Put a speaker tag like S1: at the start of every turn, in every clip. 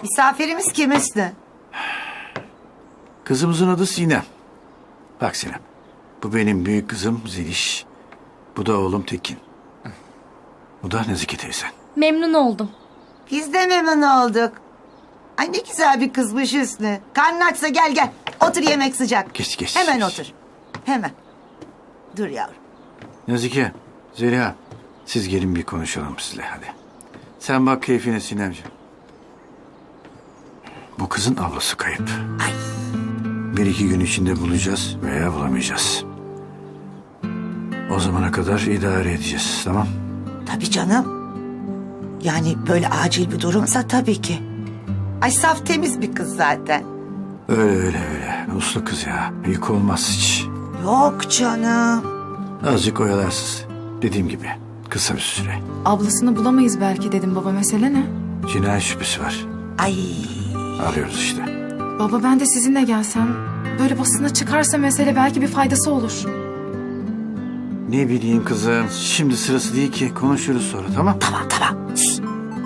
S1: Misafirimiz kim Hüsnü?
S2: Kızımızın adı Sinem. Bak Sinem, bu benim büyük kızım Zeliş. Bu da oğlum Tekin. Bu da Nezike teyzen.
S3: Memnun oldum.
S1: Biz de memnun olduk. Ay ne güzel bir kızmış Hüsnü. Karnın açsa gel. Otur, yemek sıcak.
S2: Geç.
S1: Hemen otur. Hemen. Dur yavrum.
S2: Nezike, Zeliha, siz gelin bir konuşalım sizle hadi. Sen bak keyfine Sinemciğim. Bu kızın ablası kayıp.
S1: Ay.
S2: 1-2 gün içinde bulacağız veya bulamayacağız. O zamana kadar idare edeceğiz, tamam?
S1: Tabii canım. Yani böyle acil bir durumsa tabii ki. Ay saf temiz bir kız zaten.
S2: Öyle. Uslu kız ya. Yük olmaz hiç.
S1: Yok canım.
S2: Azıcık oyalarsız. Dediğim gibi kısa bir süre.
S4: Ablasını bulamayız belki dedim baba, mesele ne?
S2: Cinayet şüphesi var.
S1: Ay.
S2: Arıyoruz işte.
S4: Baba ben de sizinle gelsem, böyle basına çıkarsa mesele belki bir faydası olur.
S2: Ne bileyim kızım. Şimdi sırası değil ki. Konuşuruz sonra, tamam?
S1: Tamam. Şişt.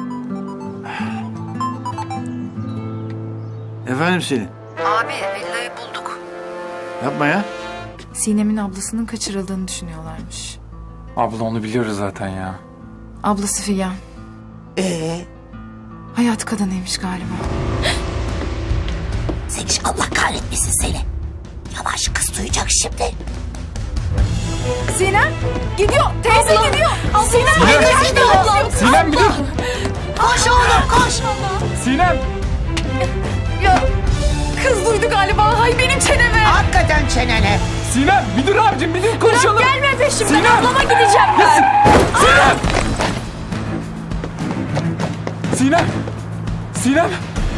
S2: Efendim Selin.
S1: Abi villayı bulduk.
S2: Yapma ya.
S4: Sinem'in ablasının kaçırıldığını düşünüyorlarmış.
S5: Abla onu biliyoruz zaten ya.
S4: Ablası Figen. Hayat kadınıymış galiba.
S1: Zeliş Allah kahretmesin seni. Yavaş, kız duyacak şimdi.
S4: Sinem gidiyor, teyze gidiyor. Sinem
S5: Sinem bir dur.
S1: Koş oğlum koş.
S5: Sinem.
S4: Ya kız duydu galiba. Hay benim çeneme.
S1: Hakikaten çenene.
S5: Sinem bir dur abicim, bir dur konuşalım.
S4: Gelme peşimden.
S5: Sinem.
S4: Ablama gideceğim ben.
S5: Sinem.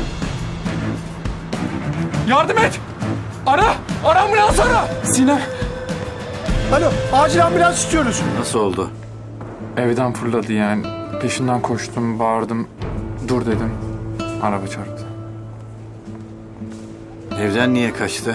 S5: Yardım et. Ara ambulans ara. Sinem.
S6: Alo, acil ambulans istiyoruz.
S2: Nasıl oldu?
S5: Evden fırladı yani. Peşinden koştum, bağırdım. Dur dedim. Araba çarptı.
S2: Evden niye kaçtı?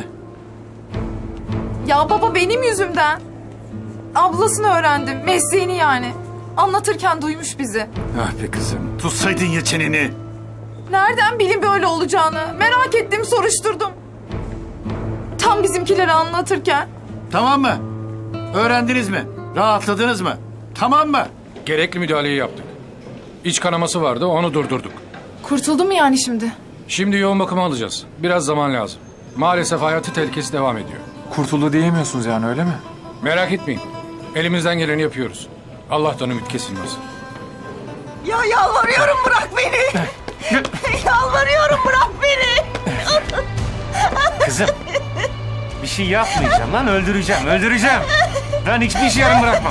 S4: Ya baba benim yüzümden. Ablasını öğrendim. Mesleğini yani. Anlatırken duymuş bizi.
S2: Ah be kızım. Tutsaydın ya çeneni.
S4: Nereden bileyim böyle olacağını? Merak ettim, soruşturdum. Tam bizimkileri anlatırken.
S2: Tamam mı? Öğrendiniz mi? Rahatladınız mı? Tamam mı?
S7: Gerekli müdahaleyi yaptık. İç kanaması vardı, onu durdurduk.
S4: Kurtuldu mu yani şimdi?
S7: Şimdi yoğun bakıma alacağız. Biraz zaman lazım. Maalesef hayati tehlikesi devam ediyor.
S5: Kurtuldu diyemiyorsunuz yani, öyle mi?
S7: Merak etmeyin. Elimizden geleni yapıyoruz. Allah'tan ümit kesilmez.
S1: Ya yalvarıyorum bırak beni. Yalvarıyorum bırak beni.
S8: Kızım. Bir şey yapmayacağım lan, öldüreceğim. Ben hiçbir şey yarım bırakmam.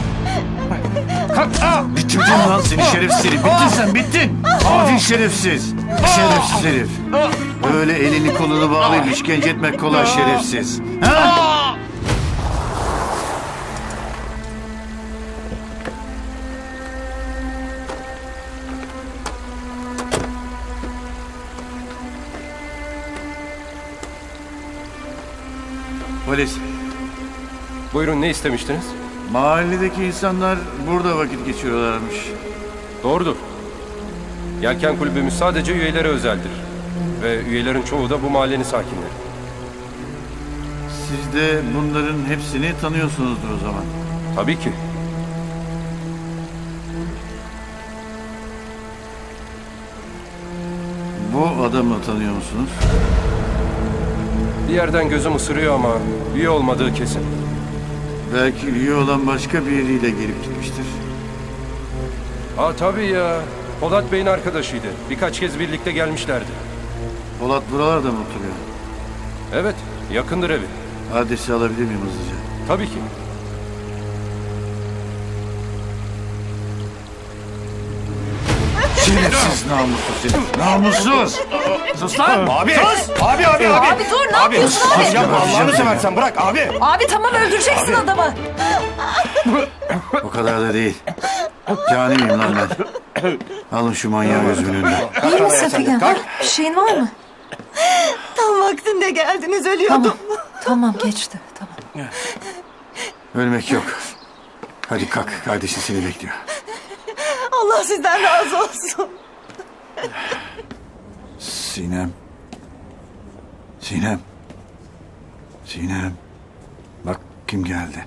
S8: Kalk.
S2: Bitirdin lan seni şerefsiz herif. Bittin sen, bittin. Adi şerefsiz. Şerefsiz herif. Böyle elini kolunu bağlayıp işkence etmek kolay şerefsiz. Ha? Polis.
S8: Buyurun, ne istemiştiniz?
S2: Mahalledeki insanlar burada vakit geçiriyorlarmış.
S8: Doğrudur. Yelken kulübümüz sadece üyelere özeldir. Ve üyelerin çoğu da bu mahallenin sakinleri.
S2: Siz de bunların hepsini tanıyorsunuzdur o zaman.
S8: Tabii ki.
S2: Bu adamı tanıyor musunuz?
S8: Bir yerden gözüm ısırıyor ama üye olmadığı kesin.
S2: Belki üye olan başka biriyle gelip gitmiştir.
S8: Tabii ya. Polat Bey'in arkadaşıydı. Birkaç kez birlikte gelmişlerdi.
S2: Polat buralarda mı oturuyor?
S8: Evet, yakındır evi.
S2: Adresi alabilir miyim hızlıca?
S8: Tabii ki.
S2: Şerefsiz namussuz herif. Namussuz!
S5: Sus lan.
S6: Abi dur, ne yapıyorsun abi?
S2: Yapma
S6: Allah'ını seversen bırak abi.
S4: Abi tamam, öldüreceksin adamı.
S2: O kadar da değil. Cani miyim lan ben? Alın şu manyağı gözümün önünden.
S4: İyi misin Figen? Bir şeyin var mı?
S1: Tam vaktinde geldiniz, ölüyordum.
S4: Tamam geçti, tamam.
S2: Ölmek yok. Hadi kalk, kardeşin seni bekliyor.
S1: Allah sizden razı olsun.
S2: Sinem. Sinem. Sinem. Bak kim geldi.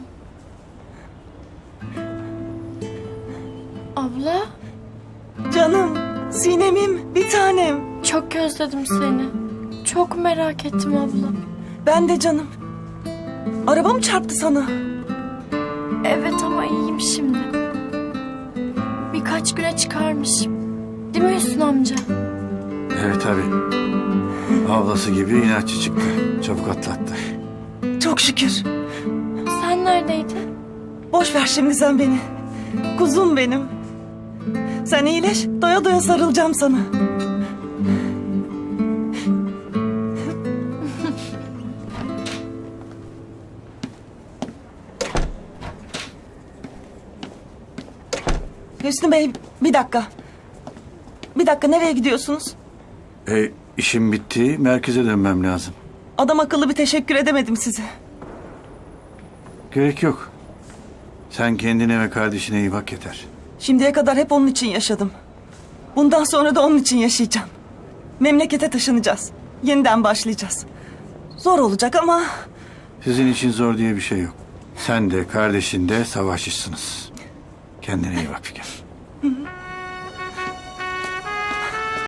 S3: Abla,
S9: Canım, Sinem'im, bir tanem.
S3: çok özledim seni. Çok merak ettim abla.
S9: Ben de canım. Araba mı çarptı sana?
S3: Evet ama iyiyim şimdi. Birkaç güne çıkarmışım. Değil mi Hüsnü amca?
S2: Evet tabii. Ablası gibi inatçı çıktı. Çabuk atlattı.
S9: Çok şükür.
S3: Sen neredeydin?
S9: Boş ver şimdi sen beni. Kuzum benim. Sen iyileş, doya doya sarılacağım sana. Hüsnü Bey, bir dakika. Bir dakika, nereye gidiyorsunuz?
S2: İşim bitti. Merkeze dönmem lazım.
S9: Adam akıllı bir teşekkür edemedim size.
S2: Gerek yok. Sen kendine ve kardeşine iyi bak yeter.
S9: Şimdiye kadar hep onun için yaşadım. Bundan sonra da onun için yaşayacağım. Memlekete taşınacağız. Yeniden başlayacağız. Zor olacak ama
S2: Sizin için zor diye bir şey yok. Sen de kardeşin de savaşçısınız. Kendine iyi bak Figen.